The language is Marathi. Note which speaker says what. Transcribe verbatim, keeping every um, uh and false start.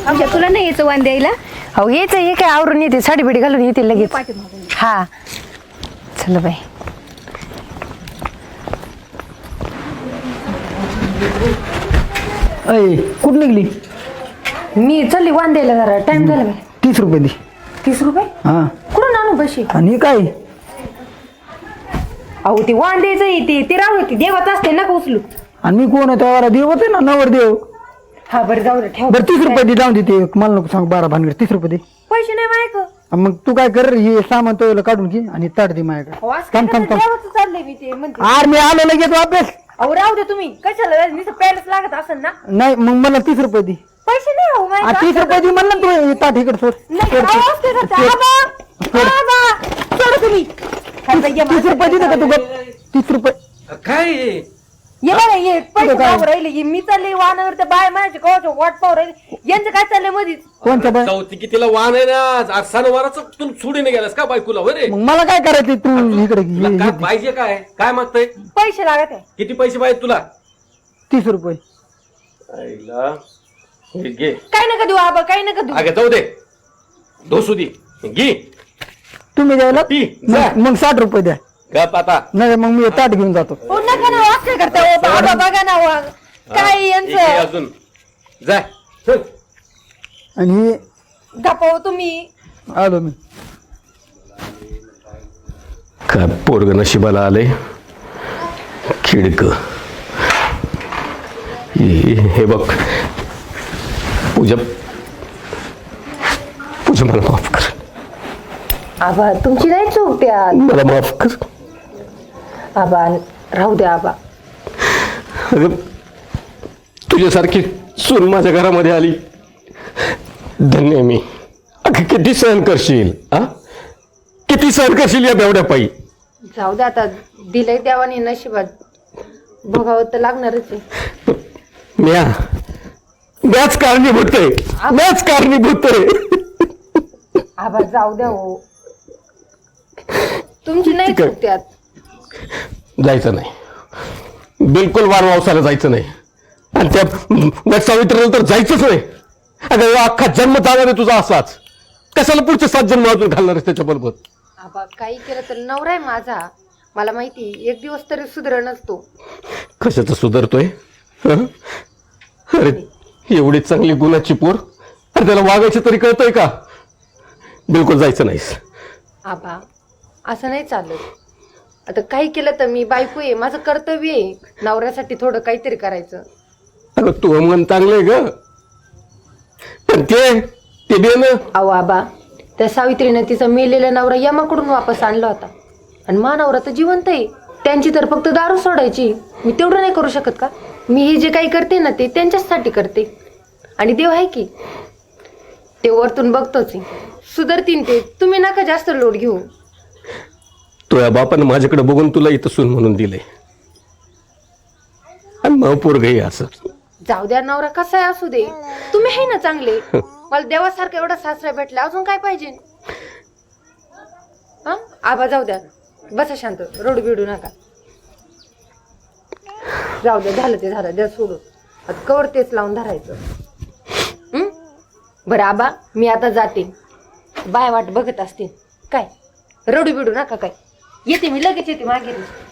Speaker 1: आमच्या तुला नाही यायचं वाण द्यायला.
Speaker 2: हो येते हे काय आवरून येते साडी बिडी घालून येते लगेच. हा चल बाई.
Speaker 3: अय कुठं निघली?
Speaker 2: मी चालली वाण द्यायला जरा टाइम झाला बाई.
Speaker 3: तीस रुपये दे.
Speaker 2: तीस रुपये
Speaker 3: हा
Speaker 2: कुठून आणू पैसे?
Speaker 3: आणि हे काय?
Speaker 2: अहो ते वाण द्यायचं ते ते राहू की देवाच असते नका उचलू.
Speaker 3: आणि मी कोण आहे वारा देव होते ना नवर देव.
Speaker 2: हा बरं जाऊ दे ठेव.
Speaker 3: बरं तीस रुपये दे जाऊन देते मला नको सांग बारा भानगड तीस रुपये दे.
Speaker 2: पैसे नाही मायक.
Speaker 3: मग तू काय कर हे सामान तो काढून घे आणि ताट दे माझ्याकडे. थांब थांब थांब.
Speaker 2: चाललंय मी ते म्हणते.
Speaker 3: आर मी आलो लगेच वापस.
Speaker 2: अहो राहू दे तुम्ही कशाला नुसतं पॅलेस लागत असेल ना.
Speaker 3: नाही मग मला तीस रुपये दे.
Speaker 2: पैसे नाही हो
Speaker 3: आ, तीस रुपये दे म्हणलं ना तू ताट इकडे सोड.
Speaker 2: नाही आवाज ते करता. आबा आबा सोड तुम्ही.
Speaker 3: तीस रुपये दे का तू गप? तीस रुपये
Speaker 4: काय
Speaker 2: ये बघा ये पैसे पाहू राहिले मी चालले वाहनावर त्या बाय माझ्या कवाचं वाट पाहू राहिले यांचं काय चाललंय मधीच.
Speaker 3: कोणत्या बाय?
Speaker 4: चौथी कितीला वाहन आहे ना आज सणवाराच तू सोडीने गेलास का बायकोला रे?
Speaker 3: मग मला काय करायचं तू इकडे
Speaker 4: तुला
Speaker 3: घे.
Speaker 4: काय पाहिजे काय काय मागतय?
Speaker 2: पैसे लागत आहे.
Speaker 4: किती पैसे पाहिजे तुला?
Speaker 3: तीस रुपये.
Speaker 4: आईला हे घे.
Speaker 2: काय नका देऊ आबा काय नका देऊ.
Speaker 4: अगं जाऊ दे दोसू दे घे.
Speaker 3: तुम्ही द्यायला
Speaker 4: ती,
Speaker 3: मग मग साठ रुपये द्या.
Speaker 4: गप आता
Speaker 3: नाही मग मी ताट घेऊन जातो.
Speaker 2: हो नका ना वाक्य करता हो बाबा बघा ना वा. काय
Speaker 4: घे
Speaker 2: यांचं
Speaker 4: अजून जाय चल.
Speaker 3: आणि हे
Speaker 2: गप्पा तुम्ही.
Speaker 3: आलो मी.
Speaker 4: काय पोरग नशिबाला आले खिडक. हे बघ पूजा पूजा मला माफ कर.
Speaker 2: आबा तुमची नाही चूक त्या.
Speaker 4: मला माफ कर.
Speaker 2: आबा राहू द्या आबा.
Speaker 4: अगं तुझ्यासारखी सून माझ्या घरामध्ये आली धन्य आहे मी. अगं किती सहन करशील हा? किती सहन करशील या बेवड्या पायी?
Speaker 2: जाऊ द्या आता दिलंय देवाने नशिबात बघावं तर लागणारच आहे.
Speaker 4: म्या म्याच कारणीभूत आहे म्याच कारणीभूत आहे.
Speaker 2: आबा जाऊ द्या हो तुमची नाही चूक त्यात.
Speaker 4: जायचं नाही बिलकुल वारवावसाला जायचं नाही. आणि त्या वट सावित्रीला तर जायचंच नाही. अगं अख्खा जन्म चालणार आहे तुझा असाच. कशाला पुढचे सात जन्म अजून घालणार आहेस त्याच्याबरोबर?
Speaker 2: आबा काही केलं तर नवरा आहे माझा मला माहिती एक दिवस तरी सुधरणच तो.
Speaker 4: कशाचं सुधारतोय? हं? अरे एवढी चांगली गुणाची पोर अरे त्याला वागायचं तरी कळतंय का? बिलकुल जायचं नाहीस.
Speaker 2: आबा असं नाही चालत. आता काही केलं तर मी बायको आहे माझं कर्तव्य आहे नवऱ्यासाठी थोडं काहीतरी करायचं.
Speaker 4: अगं तू मन चांगलंय ग पण ते ते बे ना.
Speaker 2: अहो आबा त्या सावित्रीनं तिचा मेलेला नवरा यमाकडून वापस आणला होता आणि मा नवरा तर जिवंत आहे. त्यांची तर फक्त दारू सोडायची. मी तेवढं नाही करू शकत का? मी हे जे काही करते ना ते त्यांच्यासाठी करते आणि देव आहे की ते वरतून बघतोच सुधरतीन ते. तुम्ही नका जास्त लोड घेऊ.
Speaker 4: तुझ्या बापानं माझ्याकडे बघून तुला इथं सून म्हणून दिले आणि मग पोरग हे असं.
Speaker 2: जाऊ द्या नवरा कसा आहे असू दे तुम्ही आहे ना चांगले. मला देवासारखा एवढा सासरा भेटला अजून काय पाहिजे? हा आबा जाऊ द्या बसा शांत रडू बिडू नका. जाऊ द्या झालं ते झालं द्या सोडून. आता कवर तेच लावून धरायचं. हं बरं आबा मी आता जाते. बाय वाट बघत असते काय रडू बिडू नका काय. येते मी लगेच येते मागे.